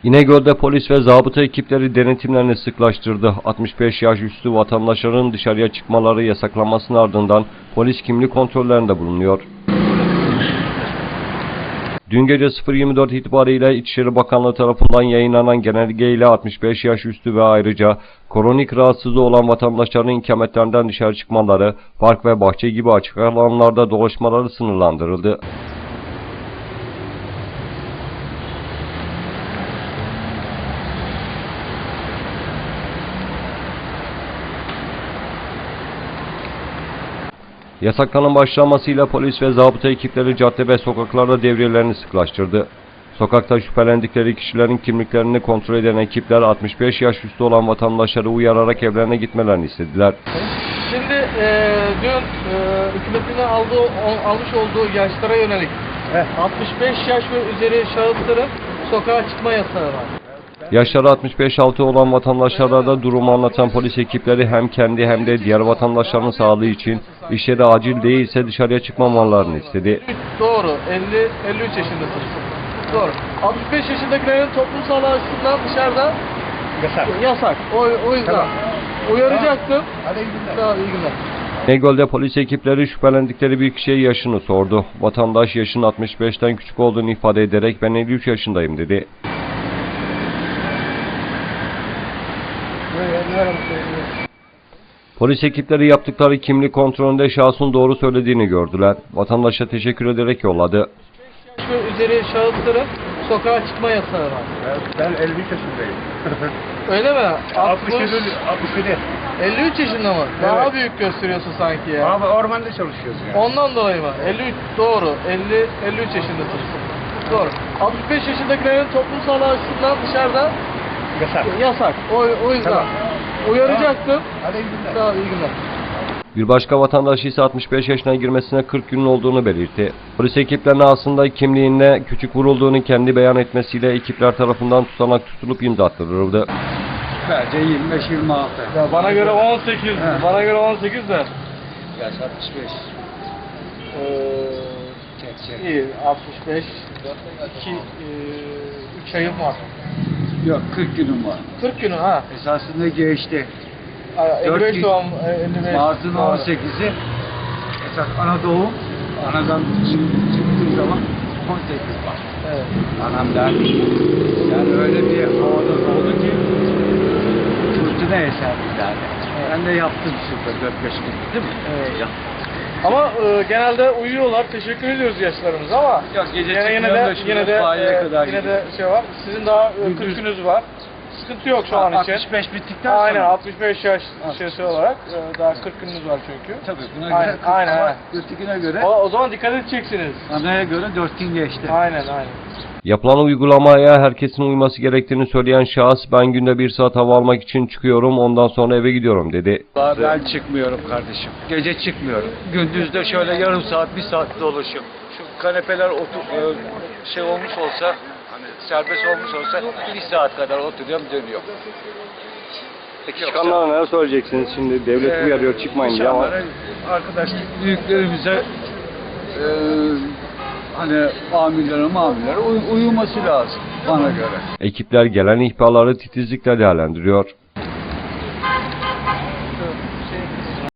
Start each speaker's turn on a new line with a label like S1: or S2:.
S1: İnegöl'de polis ve zabıta ekipleri denetimlerini sıklaştırdı. 65 yaş üstü vatandaşların dışarıya çıkmaları yasaklanmasının ardından polis kimlik kontrollerinde bulunuyor. Dün gece 0.24 itibariyle İçişleri Bakanlığı tarafından yayınlanan genelgeyle 65 yaş üstü ve ayrıca kronik rahatsızlığı olan vatandaşların ikametlerinden dışarı çıkmaları, park ve bahçe gibi açık alanlarda dolaşmaları sınırlandırıldı. Yasakların başlamasıyla polis ve zabıta ekipleri cadde ve sokaklarda devriyelerini sıklaştırdı. Sokakta şüphelendikleri kişilerin kimliklerini kontrol eden ekipler 65 yaş üstü olan vatandaşları uyararak evlerine gitmelerini istediler.
S2: Şimdi dün hükümetin almış olduğu yaşlara yönelik 65 yaş ve üzeri şahısların sokağa çıkma yasağı var.
S1: Yaşları 65-6 olan vatandaşlara da durumu anlatan polis ekipleri hem kendi hem de diğer vatandaşların sağlığı için işleri acil değilse dışarıya çıkmamalarını istedi.
S2: Doğru, 53 yaşındasınız. Doğru. 65 yaşındakilerin toplumsal açısından dışarıda yasak. O yüzden tamam. Uyaracaktım. Hadi iyi günler. Tamam, iyi günler.
S1: İnegöl'de polis ekipleri şüphelendikleri bir kişiye yaşını sordu. Vatandaş yaşının 65'ten küçük olduğunu ifade ederek ben 53 yaşındayım dedi. Polis ekipleri yaptıkları kimlik kontrolünde şahsın doğru söylediğini gördüler. Vatandaşa teşekkür ederek yolladı.
S2: Ve üzeri şahısların sokağa çıkma yasağı var.
S3: Ben 53 yaşındayım.
S2: Öyle mi?
S3: 67.
S2: 53 yaşında mı?
S3: Evet.
S2: Daha büyük gösteriyorsun sanki ya.
S3: Abi ormanda çalışıyoruz yani.
S2: Ondan dolayı mı? 53 doğru. 53 yaşındasınız. Doğru. 65 yaşındakilerin toplumsal açısından dışarıda yasak. O yüzden
S3: tamam.
S2: uyaracaktım.
S3: Tamam. Hadi iyi günler.
S2: Tamam, iyi günler.
S1: Bir başka vatandaş ise 65 yaşına girmesine 40 günün olduğunu belirtti. Polis ekiplerine aslında kimliğine küçük vurulduğunu kendi beyan etmesiyle ekipler tarafından tutanak tutulup imzattırıldı.
S3: Bence 25-26.
S2: Ya bana göre 18.
S3: He.
S2: Bana göre 18 de.
S3: Yaş 65.
S2: İyi 65. 3 ayım var.
S3: Yok 40 günüm var.
S2: 40 günü ha.
S3: Esasında geçti.
S2: 55
S3: gün.
S2: doğum 55.
S3: Mart'ın 18'i esas ana doğum. Anadan çıktığı zaman 18 var.
S2: Evet.
S3: Anam derdi. Yani öyle bir havada oldu ki fırtına eserdi derdi. Ben de yaptım şurada 4-5 gün değil mi?
S2: Evet.
S3: Ya.
S2: Ama genelde uyuyorlar. Teşekkür ediyoruz yaşlarımıza ama
S3: Yok, gece
S2: yine
S3: çıkmıyorum
S2: de
S3: da şurada
S2: yine de
S3: sahile kadar
S2: yine de
S3: gidiyorum.
S2: şey var. Sizin daha 40
S3: Gündüz.
S2: gününüz var. Sıkıntı yok şu an için.
S3: 65 bittikten
S2: Aynen
S3: sonra.
S2: 65 yaş şeysi olarak daha 40 gününüz var çünkü.
S3: Tabii buna
S2: Aynen,
S3: göre 40
S2: aynen,
S3: ama
S2: aynen.
S3: ötekine göre
S2: O zaman dikkat edeceksiniz.
S3: anaya göre 4 gün geçti.
S2: Aynen aynen.
S1: Yapılan uygulamaya herkesin uyması gerektiğini söyleyen şahıs ben günde 1 saat hava almak için çıkıyorum ondan sonra eve gidiyorum dedi.
S3: Ben çıkmıyorum kardeşim. Gece çıkmıyorum. Gündüzde şöyle yarım saat, 1 saat dolaşıyorum. Şu kanepeler şey olmuş olsa, hani serbest olmuş olsa 1 saat kadar oturuyorum, dönüyorum.
S1: Peki çıkanlara neler söyleyeceksiniz şimdi? Devlet uyarıyor çıkmayın diye ama.
S3: İnsanlara, arkadaşlar büyüklerimize hani amirlere uyuması lazım bana göre.
S1: Ekipler gelen ihbarları titizlikle değerlendiriyor.